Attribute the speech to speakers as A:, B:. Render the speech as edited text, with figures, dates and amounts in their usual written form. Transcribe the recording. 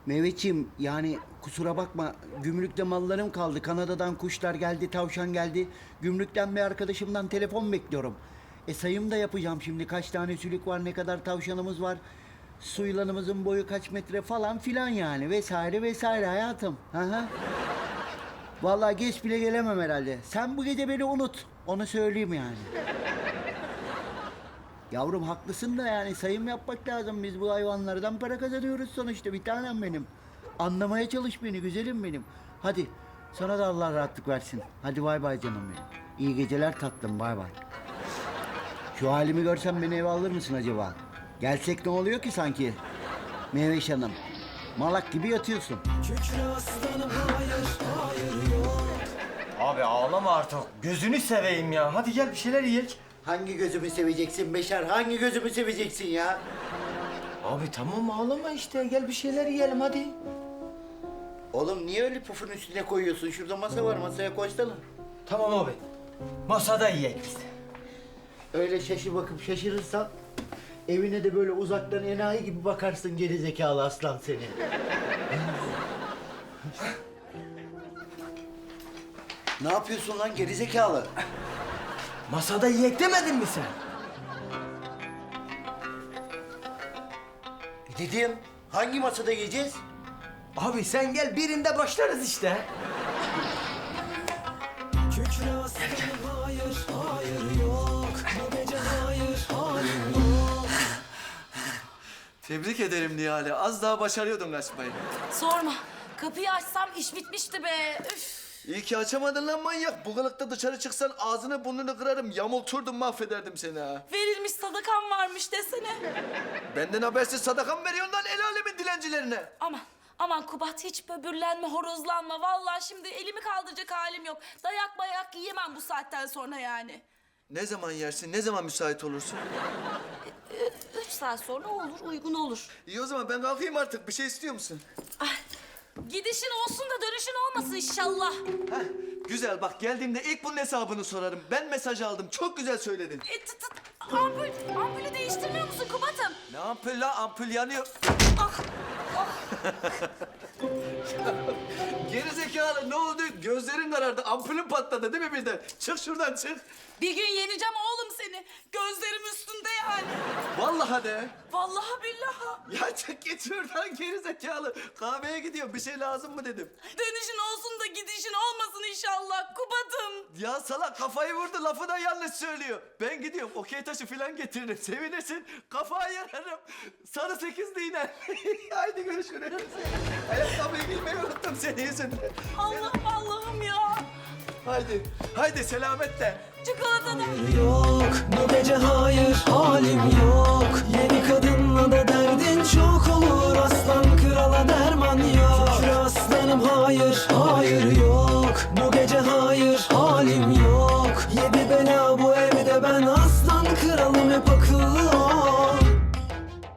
A: Mehmetciğim yani kusura bakma gümrükte mallarım kaldı. Kanada'dan kuşlar geldi, tavşan geldi. Gümrükten bir arkadaşımdan telefon bekliyorum. Sayım da yapacağım şimdi. Kaç tane sülük var, ne kadar tavşanımız var. Su yılanımızın boyu kaç metre falan filan yani vesaire vesaire hayatım. Hı hı. Vallahi geç bile gelemem herhalde. Sen bu gece beni unut. Onu söyleyeyim yani. Yavrum haklısın da yani sayım yapmak lazım. Biz bu hayvanlardan para kazanıyoruz sonuçta bir tanem benim. Anlamaya çalış beni güzelim benim. Hadi sana da Allah rahatlık versin. Hadi bay bay canım benim. İyi geceler tatlım bay bay. Şu halimi görsen beni eve alır mısın acaba? Gelsek ne oluyor ki sanki? Meyveş Hanım. Malak gibi yatıyorsun.
B: Abi ağlama artık. Gözünü seveyim ya. Hadi gel bir şeyler yiyek.
A: Hangi gözümü seveceksin Beşer? Hangi gözümü seveceksin ya?
B: Abi tamam ağlama işte. Gel bir şeyler yiyelim hadi.
A: Oğlum niye öyle pufun üstüne koyuyorsun? Şurada masa var, masaya koysana.
B: Tamam abi. Masada yiyek biz.
A: Öyle şaşı bakıp şaşırırsan evine de böyle uzaktan enayi gibi bakarsın geri zekalı aslan seni. Ne yapıyorsun lan geri zekalı?
B: Masada yiyek demedin mi sen?
A: Dedim hangi masada yiyeceğiz?
B: Abi sen gel birinde başlarız işte.
C: Kükre aslanım hayır, hayır yok. Bu gece hayır, hayır yok.
D: Tebrik ederim Nihale. Az daha başarıyordun kaçmayı.
E: Sorma. Kapıyı açsam iş bitmişti be. Üf.
D: İyi ki açamadın lan manyak. Bu kılıkta dışarı çıksan ağzını burnunu kırarım. Yamulturdum mahvederdim seni ha.
E: Verilmiş sadakam varmış desene.
D: Benden habersiz sadaka mı veriyorsun lan el alemin dilencilerine?
E: Aman Kubat hiç böbürlenme, horozlanma. Vallahi şimdi elimi kaldıracak halim yok. Dayak bayak yiyemem bu saatten sonra yani.
D: Ne zaman yersin, ne zaman müsait olursun?
E: 3 saat sonra olur, uygun olur.
D: İyi o zaman ben kalkayım artık. Bir şey istiyor musun?
E: Ay, gidişin olsun da dönüşün olmasın inşallah.
D: Heh, güzel bak geldiğimde ilk bunun hesabını sorarım. Ben mesaj aldım. Çok güzel söyledin.
E: Ampulü değiştirmiyor musun Kubat'ım?
D: Ne ampul la? Ampul yanıyor.
E: Ah,
D: Geri zekalı ne oldu? Gözlerin karardı. Ampulün patladı değil mi birden? Çık şuradan çık.
E: bir gün yeneceğim oğlum seni. Gözlerim üstünde yani.
D: Vallahi de.
E: Vallahi billahi.
D: Ya çık git şuradan geri zekalı. Kahveye gidiyorum. Bir şey lazım mı dedim.
E: Dönüşün olsun da gidişin olmasın inşallah Kubat'ım.
D: Ya salak kafayı vurdu. Lafı da yanlış söylüyor. Ben gidiyorum. Okey taşı falan getiririm. Sevinirsin. Kafayı yararım. Sarı sekizli yine. Haydi görüşürüz. Ayakkabıyı giymeyi unuttum senin yüzünden.
E: Allah'ım ya.
D: Haydi. Haydi selametle.
E: Çikolata da.
C: Yok, bu gece hayır, halim yok. Yeni kadınla da derdin çok olur. Aslan krala derman yok. Kükre aslanım hayır, hayır yok. Bu gece hayır, halim yok. Yedi bela bu evde ben aslan kralım hep